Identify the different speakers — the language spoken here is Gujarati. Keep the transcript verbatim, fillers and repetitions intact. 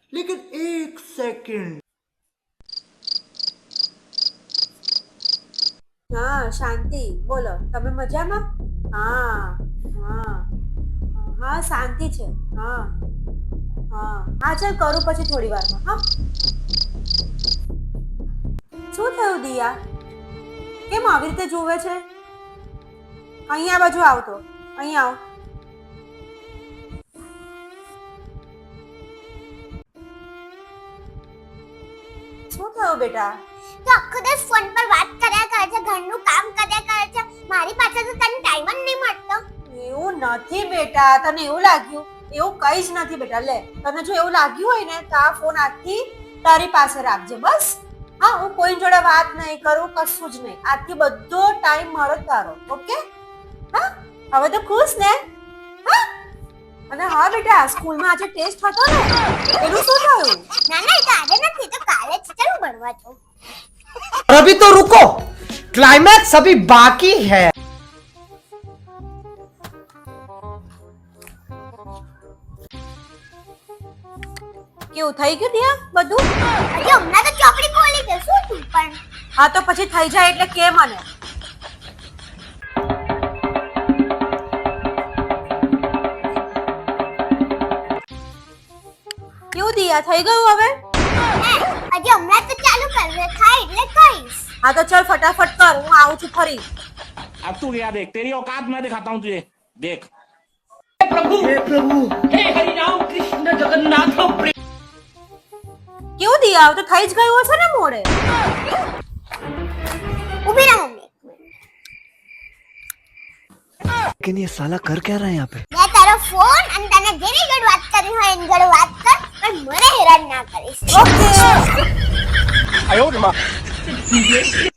Speaker 1: लेकिन एक सेकंड।
Speaker 2: हाँ शांति बोलो તમે મજામાં? હા હા હા શાંતિ છે. હા હા હા ચાલ કરું પછી થોડી વારમાં. હા શું થયું દિયા? કેમ આવી રીતે જોવે છે? અહીંયા બાજુ આવતો અહીં આવ. શું થયું બેટા?
Speaker 3: તો આખો દિવસ ફોન પર વાત કર્યા કરે છે, ઘરનું કામ કર્યા કરે છે, મારી પાસે તો તને ટાઈમ જ નહીં મળતો.
Speaker 2: એવું નથી બેટા, તને એવું લાગ્યું? એવું કઈ જ નથી બેટા. લે તને જો એવું લાગ્યું હોય ને તો આ ફોન આજથી તારી પાસે રાખજે બસ. હા હું કોઈ જોડે વાત નહીં કરું, કશું જ નહીં. આજથી બધો ટાઈમ મારો તારો. ઓકે? હા હવે તો ખુશ ને? હા અને હા બેટા સ્કૂલમાં આજે ટેસ્ટ હતો ને એનું શું થયું?
Speaker 3: ના ના એ તો આજે નથી તો કાલે જ ચાલ ભણવા જાઉં.
Speaker 1: अभी तो रुको, क्लाइमैक्स अभी बाकी है।
Speaker 2: કેવું થઈ ગયું દિયા બધું?
Speaker 3: હજી હમણાં તો ચોપડી ખોલી દે શું તું પણ.
Speaker 2: હા તો પછી થઈ જાય એટલે કે મને. કેવું દિયા થઈ ગયું હવે?
Speaker 3: હજી હમણાં તો ચાલુ કરવે થાય એટલે કહીશ.
Speaker 2: હા તો ચલ ફટાફટ કર, હું આવું છું ફરી.
Speaker 4: अब तू गया देख, तेरी औकात मैं दिखाता हूँ तुझे, देख।
Speaker 2: કેવું દિયા તો થઈ જ ગયું હશે ને મોડે?
Speaker 3: ઊભી રહો મમ્મી.
Speaker 1: लेकिन ये साला कर क्या रहा है यहाँ पे?
Speaker 3: મેં તારો ફોન અને તને જેની જોડે વાત કરી હોય એની જોડે વાત કર પણ મને હેરાન ના કરીશ.
Speaker 2: ઓકે.
Speaker 4: आयो रे माँ।